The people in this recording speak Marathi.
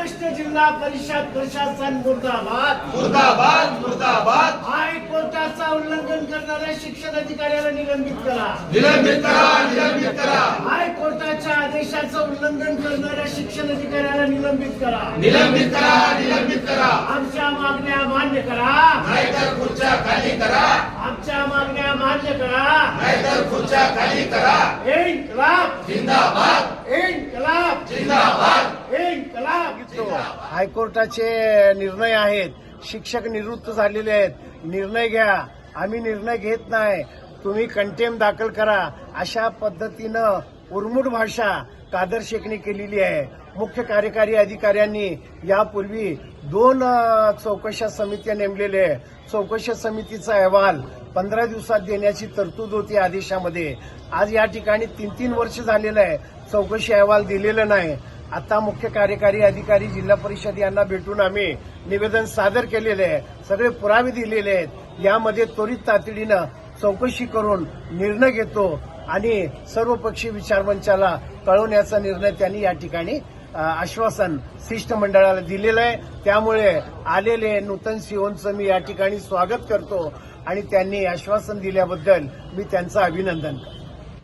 महाराष्ट्र जिल्हा परिषद प्रशासन मुर्दाबाद मुर्दाबाद मुर्दाबाद हायकोर्टाचा उल्लंघन करणाऱ्या शिक्षण अधिकाऱ्याला निलंबित करा. निलंबित करा निलंबित करा हायकोर्टाच्या आदेशाचं उल्लंघन करणाऱ्या शिक्षण अधिकाऱ्याला निलंबित करा. निलंबित करा निलंबित करा आमच्या मागण्या मान्य करा. नाहीतर खुर्च्या खाली करा आमच्या मागण्या मान्य करा. नाहीतर खुर्च्या खाली करा इन्कलाब जिंदाबाद इन्कलाब जिंदाबाद इन्कलाब. हायकोर्टाचे निर्णय आहेत. शिक्षक निवृत्त झालेले आहेत. निर्णय घ्या. आम्ही निर्णय घेत नाही. तुम्ही कंटेम दाखल करा. अशा पद्धतीनं उर्मुट भाषा कादर शेखने केलेली आहे. मुख्य कार्यकारी अधिकाऱ्यांनी यापूर्वी 2 चौकशा समित्या नेमलेल्या आहे. चौकशा समितीचा अहवाल 15 दिवसात देण्याची तरतूद होती आदेशामध्ये. आज या ठिकाणी 3 वर्ष झालेलं आहे. चौकशी अहवाल दिलेला नाही. आता मुख्य कार्यकारी अधिकारी जिल्हा परिषद यांना भेटून आम्ही निवेदन सादर केलेले आहे. सगळे पुरावे दिलेले आहेत. यामध्ये त्वरित तातडीनं चौकशी करून निर्णय घेतो आणि सर्वपक्षीय विचारमंचाला कळवण्याचा निर्णय त्यांनी या ठिकाणी आश्वासन शिष्टमंडळाला दिलेलं आहे. त्यामुळे आलेले नूतन सीओंचं मी या ठिकाणी स्वागत करतो आणि त्यांनी आश्वासन दिल्याबद्दल मी त्यांचं अभिनंदन करतो.